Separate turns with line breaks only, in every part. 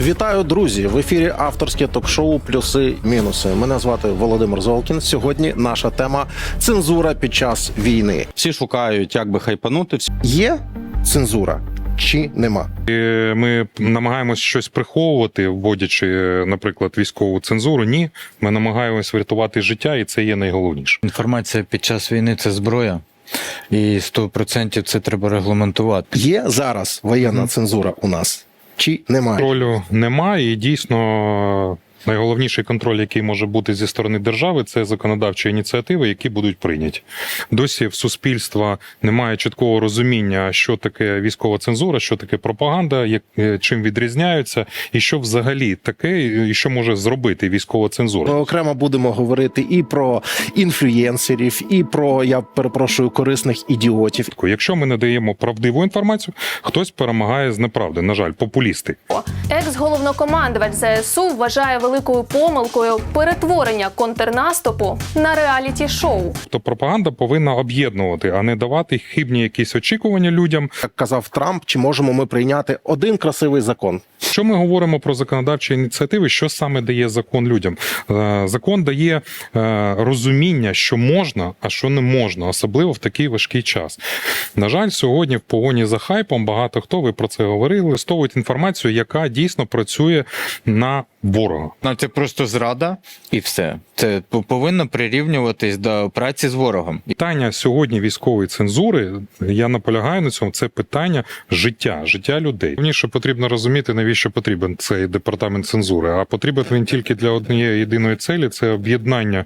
Вітаю, друзі! В ефірі авторське ток-шоу «Плюси-мінуси». Мене звати Володимир Золкін. Сьогодні наша тема – цензура під час війни.
Всі шукають, як би хайпанути.
Є цензура чи нема?
Ми намагаємось щось приховувати, вводячи, наприклад, військову цензуру. Ні, ми намагаємось врятувати життя, і це є найголовніше.
Інформація під час війни – це зброя. І 100% це треба регламентувати.
Є зараз воєнна цензура у нас чи немає?
Контролю немає, і дійсно найголовніший контроль, який може бути зі сторони держави, це законодавчі ініціативи, які будуть прийняті. Досі в суспільства немає чіткого розуміння, що таке військова цензура, що таке пропаганда, чим відрізняються, і що взагалі таке, і що може зробити військова цензура.
Ми окремо будемо говорити і про інфлюєнсерів, і про, я перепрошую, корисних ідіотів.
Якщо ми надаємо правдиву інформацію, хтось перемагає з неправди. На жаль, популісти.
Екс-головнокомандувач ЗСУ вважає великою помилкою перетворення контрнаступу на реаліті-шоу.
То пропаганда повинна об'єднувати, а не давати хибні якісь очікування людям.
Як казав Трамп, чи можемо ми прийняти один красивий закон?
Якщо ми говоримо про законодавчі ініціативи, що саме дає закон людям? Закон дає розуміння, що можна, а що не можна, особливо в такий важкий час. На жаль, сьогодні в погоні за хайпом багато хто, ви про це говорили, використовують інформацію, яка дійсно працює на ворога.
Це просто зрада і все. Це повинно прирівнюватись до праці з ворогом.
Питання сьогодні військової цензури, я наполягаю на цьому, це питання життя людей. Головніше потрібно розуміти, навіщо потрібен цей департамент цензури. А потрібен він тільки для однієї єдиної цілі – це об'єднання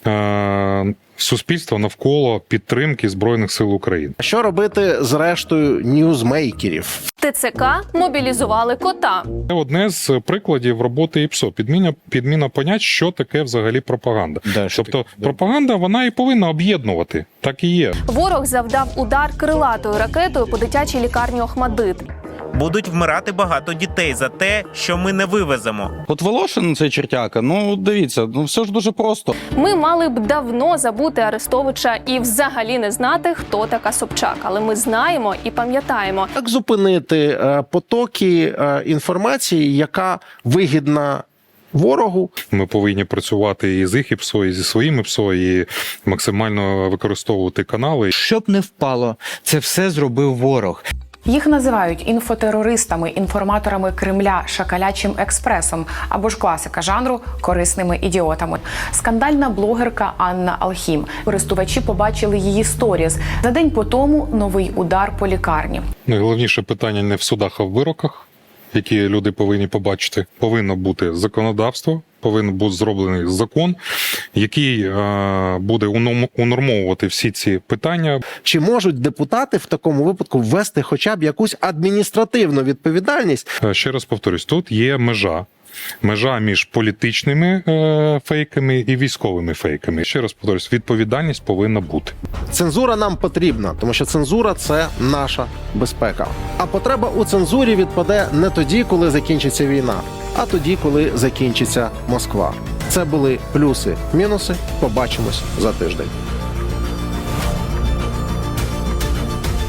суспільства навколо підтримки Збройних сил України.
Що робити з рештою ньюзмейкерів?
ТЦК мобілізували кота.
Це одне з прикладів роботи ІПСО. Підміна понять, що таке взагалі пропаганда. Тобто пропаганда, вона і повинна об'єднувати. Так і є.
Ворог завдав удар крилатою ракетою по дитячій лікарні Охмадит.
Будуть вмирати багато дітей за те, що ми не вивеземо.
От Волошин, цей чертяка, дивіться, все ж дуже просто.
Ми мали б давно забути Арестовича і взагалі не знати, хто така Собчак. Але ми знаємо і пам'ятаємо.
Як зупинити потоки інформації, яка вигідна ворогу?
Ми повинні працювати і з їх ІПСО, і зі своїм ІПСО, і максимально використовувати канали.
Щоб не впало, це все зробив ворог.
Їх називають інфотерористами, інформаторами Кремля, шакалячим експресом або ж класика жанру корисними ідіотами. Скандальна блогерка Анна Алхім. Користувачі побачили її сторіз. За день по тому новий удар по лікарні.
Найголовніше питання не в судах, а в вироках, які люди повинні побачити. Повинно бути законодавство, повинен бути зроблений закон, який буде унормовувати всі ці питання.
Чи можуть депутати в такому випадку ввести хоча б якусь адміністративну відповідальність?
Ще раз повторюсь, тут є межа. Межа між політичними фейками і військовими фейками. Ще раз повторюсь, відповідальність повинна бути.
Цензура нам потрібна, тому що цензура – це наша безпека. А потреба у цензурі відпаде не тоді, коли закінчиться війна, а тоді, коли закінчиться Москва. Це були плюси-мінуси. Побачимось за тиждень.